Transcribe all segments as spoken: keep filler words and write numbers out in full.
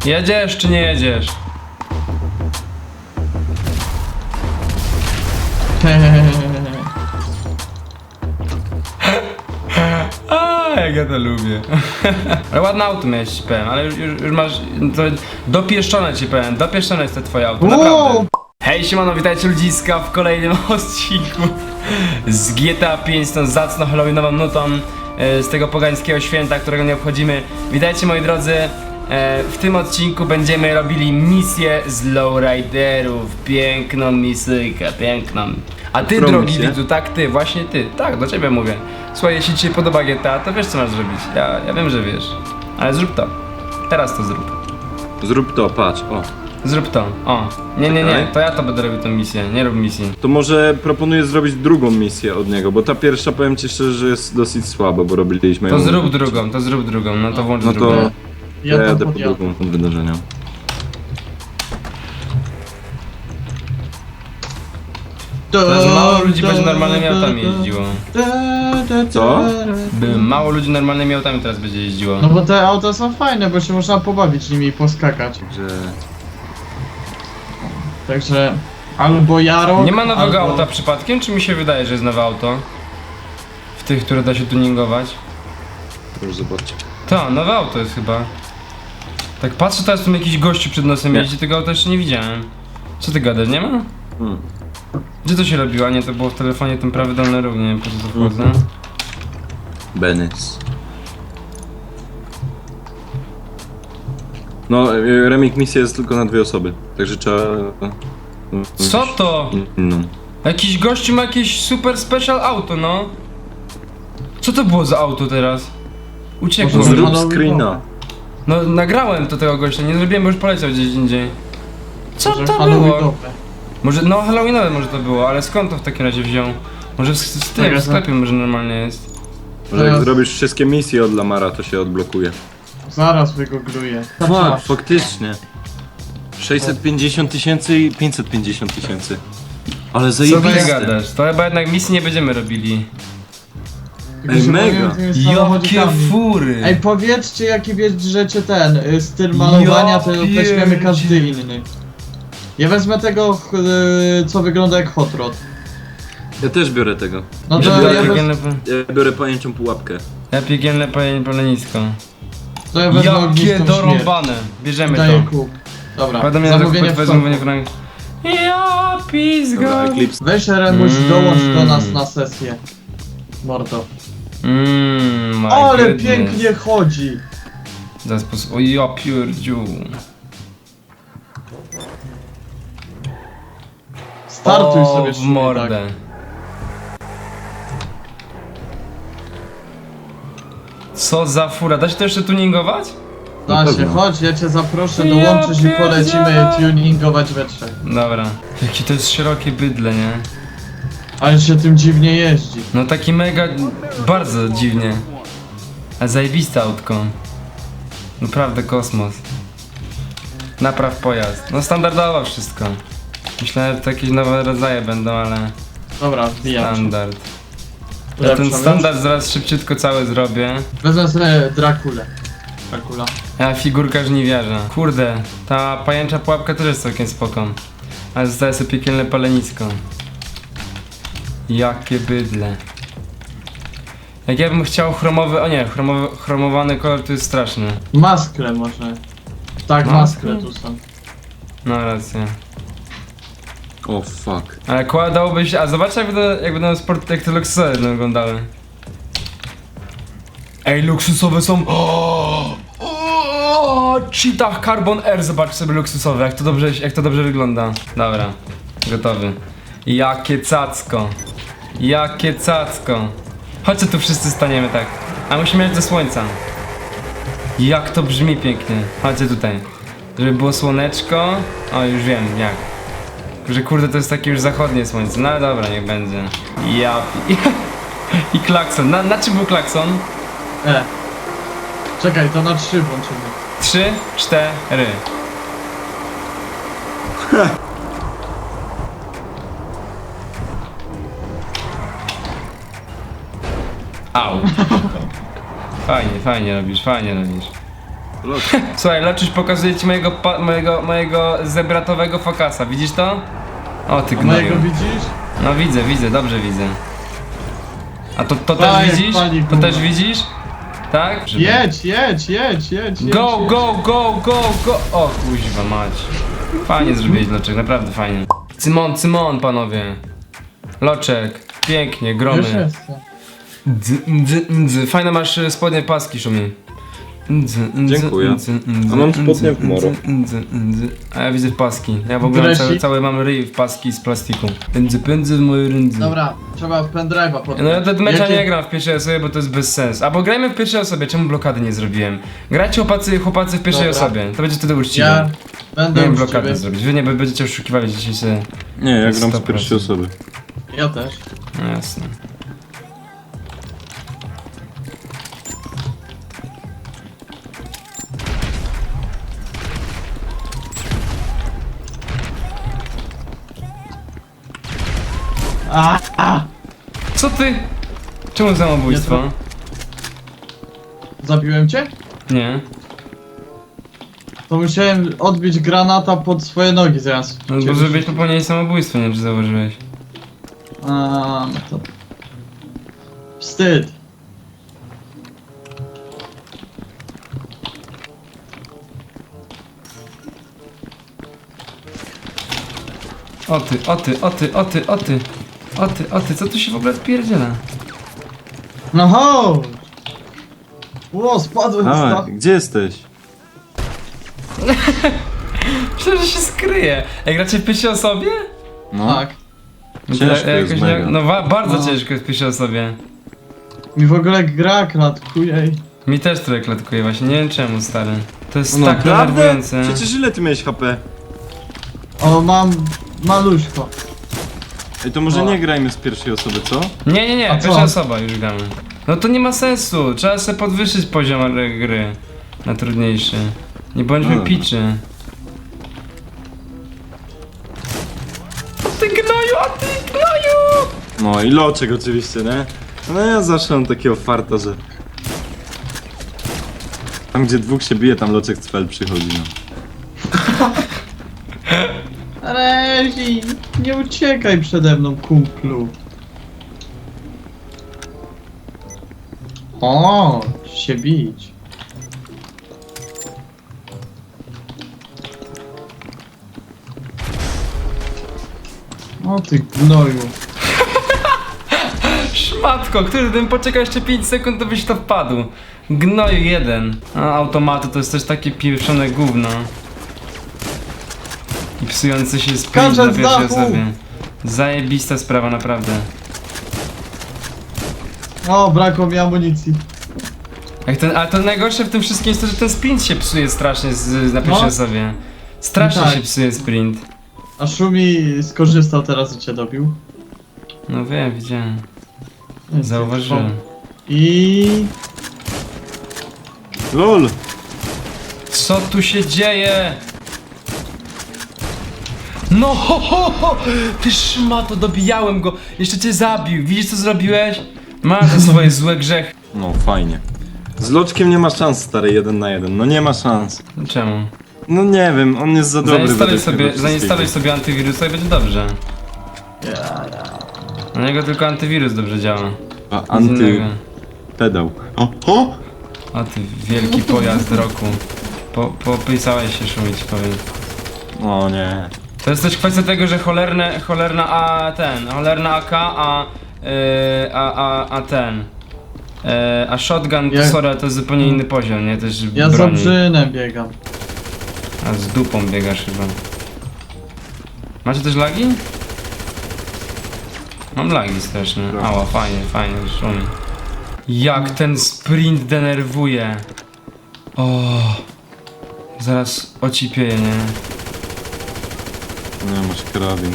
Jedziesz czy nie jedziesz? A, jak ja to lubię. Ale ładne auto miałeś, ci powiem, ale już, już, już masz to dopieszczone, ci powiem, dopieszczone jest to twoje auto, naprawdę. Hej, siemano, witajcie ludziska w kolejnym odcinku z G T A pięć, z tą zacną halloweenową nutą, z tego pogańskiego święta, którego nie obchodzimy. Witajcie, moi drodzy. W tym odcinku będziemy robili misję z lowriderów. Piękną misyjkę, piękną. A ty, drogi widzu, tak ty, właśnie ty, tak, do ciebie mówię. Słuchaj, jeśli ci się podoba G T A, to wiesz co masz zrobić. Ja, ja wiem, że wiesz. Ale zrób to. Teraz to zrób. Zrób to, patrz, o. Zrób to, o. Nie, nie, nie, to ja to będę robił tę misję, nie rób misji. To może proponuję zrobić drugą misję od niego, bo ta pierwsza, powiem ci szczerze, że jest dosyć słaba, bo robiliśmy To ją... zrób drugą, to zrób drugą, no to włącz No drugą. to Ja ja tam jadę po podjadę. drugą od wydarzenia. Teraz mało ludzi będzie normalnymi autami jeździło. Co? By mało ludzi normalnymi autami teraz będzie jeździło. No bo te auta są fajne, bo się można pobawić nimi i poskakać. Że... Także albo Jaro. Nie ma nowego albo... auta przypadkiem, czy mi się wydaje, że jest nowe auto? W tych, które da się tuningować? Proszę zobaczyć. To, nowe auto jest chyba. Tak patrzę, teraz tu jakiś gościu przed nosem Nie. jeździ, tego auta jeszcze nie widziałem. Co ty gadasz, nie ma? Hmm. Gdzie to się robiło? A nie, to było w telefonie, ten prawy dolny róg, nie wiem po co to wchodzę. Mhm. Benes. No, y, remake misja jest tylko na dwie osoby, także trzeba... y, Co to? No. Jakiś gościu ma jakieś super special auto, no. Co to było za auto teraz? Uciekło Może mi. Zrób Halloween screena. No, nagrałem to tego gościa, nie zrobiłem, bo już poleciał gdzieś indziej. Co Może to Halloweenowe. było? Może, no halloweenowe może to było, ale skąd to w takim razie wziął? Może w, z tym, Taka w sklepie może normalnie jest. Może jak Teraz- zrobisz wszystkie misje od Lamara, to się odblokuje. Zaraz wygoogluję. Fuck, faktycznie. sześćset pięćdziesiąt tysięcy i pięćset pięćdziesiąt tysięcy. Ale Co ty zajebiste. gadasz? To chyba jednak misji nie będziemy robili. Tylko Ej, się mega. bawiłem tymi Jakie samochodzikami. fury! Ej, powiedzcie jaki bierzecie ten y, styl malowania, Ja to weźmiemy każdy pierdzie- inny. Ja wezmę tego, y, co wygląda jak hot rod. Ja też biorę tego. No Ja to biorę ja, wez, piekielne, Ja biorę pajęczą pułapkę. ja piekielne pole- polenisko. to ja wezmę Jakie ognistą śmierć. dorąbane! Bierzemy Daję to. kup. Dobra, Prawda mnie zamówienie na w wezmę toku. frank. Ja pizga! Dobra, Eclipse. Weź Remuś, Mm. dołącz do nas na sesję. Mordo. Mmm, my Ale goodness. pięknie chodzi! Za sposób... O ja pierdziu. Startuj o, sobie w szybko, mordę. tak. Co za fura, da się to jeszcze tuningować? Da Na się, pewno. chodź, ja cię zaproszę, Ja dołączysz i polecimy pierdzielę. tuningować we trzech. Dobra. Jakie to jest szerokie bydle, nie? Ale się tym dziwnie jeździ. No taki mega... bardzo dziwnie. A zajebiste autko. Naprawdę kosmos. Napraw pojazd. No standardowo wszystko. Myślałem, że to jakieś nowe rodzaje będą, ale... Dobra, wbijam się. Standard. Ja ten standard zaraz szybciutko cały zrobię. Wezmę sobie Drakulę. Dracula. A figurka żniwiarza. Kurde, ta pajęcza pułapka też jest całkiem spoko. Ale zostaje sobie piekielne palenisko. Jakie bydle. Jak ja bym chciał chromowy, o nie, chromowy, chromowany kolor to jest straszny. Maskle może. Tak, Maskle? maskle tu są. No racja. O fuck. Ale kładałby się, a zobacz jak będą, jak będą sport, jak te luksusowe będą wyglądały. Ej, luksusowe są... O, o, Cheetah Carbon Air, zobacz sobie luksusowe, jak to dobrze, jak to dobrze wygląda. Dobra, gotowy. Jakie cacko. Jakie cacko. Chodźcie tu wszyscy staniemy tak. A musimy jechać do słońca. Jak to brzmi pięknie. Chodźcie tutaj. Żeby było słoneczko. O, już wiem jak. Że kurde to jest takie już zachodnie słońce. No ale dobra, niech będzie. Ja... pi- I klakson. Na, na czym był klakson? E. Czekaj, to na trzy włączymy. Trzy, cztery. Au. Fajnie, fajnie robisz, fajnie robisz. Lot. Słuchaj, Loczyś pokazuje ci mojego, pa- mojego, mojego zebratowego fokasa, widzisz to? O ty A mojego gnoju. widzisz? No widzę, widzę, dobrze widzę. A to, to Daj, też widzisz? pani To guma. też widzisz? Tak? Żeby- Jedź, jedź, jedź, jedź, jedź. Go, jedź. go, go, go, go! O kuźwa mać. Fajnie zrobiłeś Loczek, naprawdę fajnie. Cymon, Cymon, panowie. Loczek, pięknie, gromy. Już jestem. Dz, dz, dz. Fajne masz e, spodnie paski, Szumi. Dz, dz, Dziękuję. dz, dz, A mam dz, spodnie w dz, moro. dz, dz. A ja widzę w paski. Ja w ogóle Dresik. cały, cały mam ryj w paski z plastiku. Pędzy, pędzy w moje rędzy. Dobra, trzeba pendrive'a podpiąć. No ja do mecza Jakie- nie gram w pierwszej osobie, bo to jest bez sensu. Albo grajmy w pierwszej osobie, czemu blokady nie zrobiłem? Grajcie chłopacy, chłopacy w pierwszej Dobra. osobie, to będzie wtedy uczciwe. Ja Nie będę wiem uczciwy. blokady zrobić, wy nie będziecie oszukiwali dzisiaj sobie. Nie, ja gram sto z procent. pierwszej osoby. Ja też. No jasne. A, a, Co ty? Czemu samobójstwo? Nie zabiłem cię? Nie. To musiałem odbić granata pod swoje nogi zaraz. No bo Ciebie żebyś rzucić. popełniali samobójstwo, nie wiem czy zauważyłeś. A, no to... Wstyd. O ty, o ty, o ty, o ty, o ty. O ty, o ty, co tu się w ogóle odpierdziela? No chodź! Ło, spadłem z A, dachu. gdzie jesteś? Myślę, że się skryje. Ej, gracie w pierwszej osobie? No. Tak. No to Ciężko ja- jest jakoś mega. nie, No wa- bardzo No. ciężko jest w pierwszej osobie. Mi w ogóle gra klatkuje. Mi też trochę klatkuje właśnie, nie wiem czemu stary. To jest No tak naprawdę? denerwujące. Przecież ile ty miałeś H P? O, mam maluśko. Ej, to może O. nie grajmy z pierwszej osoby, co? Nie, nie, nie, A co? pierwsza osoba już gramy. No to nie ma sensu, trzeba sobie podwyższyć poziom r- gry na trudniejszy. Nie bądźmy No. piczy. O ty gnoju, o ty gnoju! No i Loczek oczywiście, nie? No ja zawsze mam takiego farta, że... Tam gdzie dwóch się bije, tam Loczek cfel przychodzi, no. Rezi, nie uciekaj przede mną, kumplu. O, się bić. O ty gnoju. Szmatko, który gdybym poczekał jeszcze pięć sekund, to byś to wpadł. Gnoju jeden. A automaty to jest też takie pieprzone gówno. I psujący się sprint Skaczę na z pierwszej dachu! osobie. Zajebista sprawa, naprawdę. O, brakło mi amunicji. Jak ten, ale to najgorsze w tym wszystkim jest to, że ten sprint się psuje strasznie z, na pierwszej No. osobie. Strasznie Tak. się psuje sprint. A Szumi skorzystał teraz i cię dobił. No wiem, widziałem. Zauważyłem. I... LOL! Co tu się dzieje? No ho ho ho! Ty szmato, dobijałem go! Jeszcze cię zabił, widzisz co zrobiłeś? Masz te swoje złe grzechy. No, fajnie. Z Loczkiem nie ma szans, stary, jeden na jeden. No nie ma szans. Czemu? No nie wiem, on jest za dobry Zainstaluj według sobie, tego zainstaluj wszystkiego. sobie antywirusa i będzie dobrze. Ja, ja. Na niego tylko antywirus dobrze działa. A, Nic innego. Antypedał. O, o! O ty wielki pojazd roku. Po, popisałeś się, Szumić, powiem. O nie. To jest też kwestia tego, że cholerne, cholerna a ten, cholerna A K, a, yy, a, a, a ten, yy, a shotgun, to Ja- sorry, ale to jest zupełnie inny poziom, nie? Też Ja z broni. obrzynem biegam. A z dupą biegasz chyba. Macie też lagi? Mam lagi straszne. Trochę. Ała, fajnie, fajnie, szumi. Jak ten sprint denerwuje. O, zaraz ocipieje, nie? Nie, masz karabin.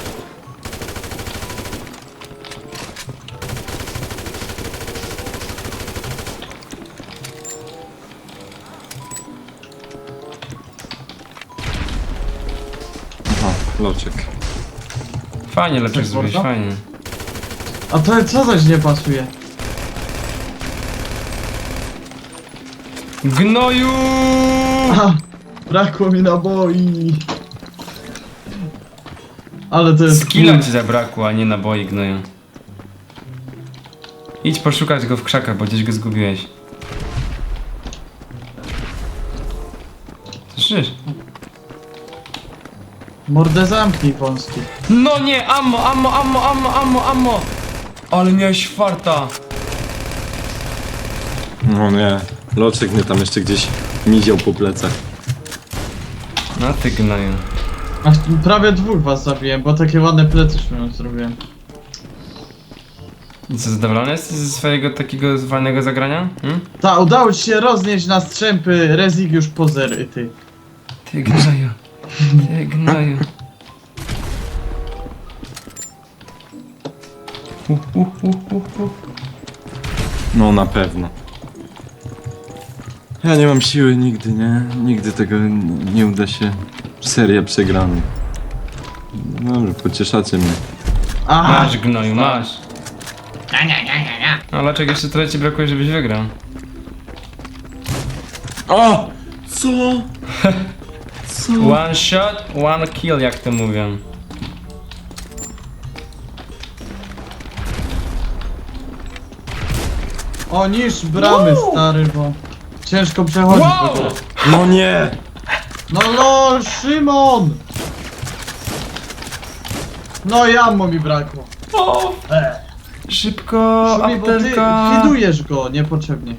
Aha, Loczek. Fajnie lepszych Tak zrobić, można? fajnie. A to co zaś nie pasuje? Gnoju! A, brakło mi naboi. Ale to jest... Skilla ci zabrakło, a nie naboi gnoju. Idź poszukać go w krzakach, bo gdzieś go zgubiłeś. Słyszysz? Mordę zamknij wąski. No nie, ammo, ammo, ammo, ammo, ammo, ammo! Ale miałeś farta! No nie, Loczek mnie tam jeszcze gdzieś miział po plecach. No ty gnoju. Aż prawie dwóch was zabiłem, bo takie ładne plecy śmiałem zrobiłem. I co, zadowolony jesteś ze swojego takiego fajnego zagrania? Hmm? Ta, udało ci się roznieść na strzępy Rezygiusz Pozer, ty. Ty gnoju. Ty gnoju. Uh, uh, uh, uh, uh. No na pewno. Ja nie mam siły nigdy, nie? Nigdy tego n- nie uda się. Seria przegranych. Dobrze, pocieszacie mnie. Aha, Masz gnoju, masz. No dlaczego jeszcze tyle ci brakuje, żebyś wygrał? O! Co? Co? One shot, one kill, jak to mówią. o niż bramy, stary, bo ciężko przechodzić w ogóle. No nie! No lol, Szymon! No i ammo mi brakło. O! E, Szybko, Szumi, bo ty apteczka. hidujesz go niepotrzebnie.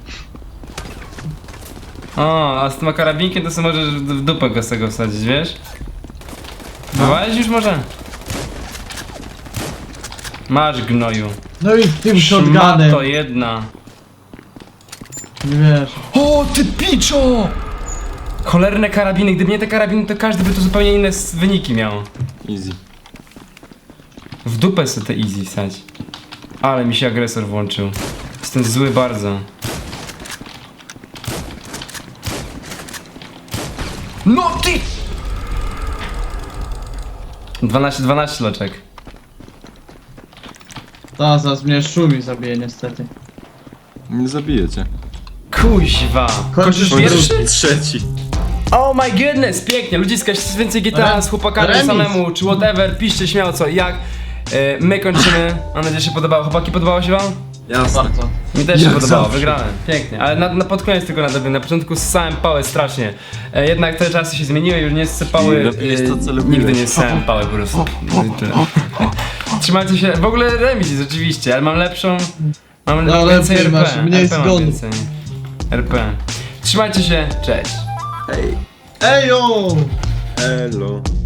O, a z tym karabinkiem to sobie możesz w w dupę go z tego wsadzić, wiesz? Próbowałeś już może? Masz gnoju. No i tym Szmato shotgunem. jedna. Nie wiesz. O, ty piczo! Cholerne karabiny, gdyby nie te karabiny, to każdy by tu zupełnie inne s- wyniki miał. Easy. W dupę sobie te easy wsać. Ale mi się agresor włączył. Jestem zły bardzo. No ty! dwanaście dwanaście loczek. Ta, zaraz mnie Szumi zabije niestety. Nie zabijecie. Kuźwa. Kończysz Kończysz pierwszy? Trzeci. Oh my goodness, pięknie. Ludziska, jeśli chcecie więcej G T A Re- z chłopakami remis. samemu, czy whatever, piszcie śmiało co i jak. E, my kończymy. Mam nadzieję, że się podobało. Chłopaki, podobało się wam? Jasne. Bardzo. Mi też się Jak podobało, zawsze. wygrałem. Pięknie, ale na, na pod koniec tylko nadrobię. Na początku ssałem pałę strasznie. E, jednak te czasy się zmieniły, już nie ssę pały. I lepiej jest to, co lubiłeś. nigdy nie ssałem pały po prostu. No i tyle. Trzymajcie się. W ogóle remis jest oczywiście, ale mam lepszą. Mam No, więcej lepiej R P. masz, mniej R P mam zgonów. więcej. R P. Trzymajcie się, cześć. Hej. Ejo! Elo.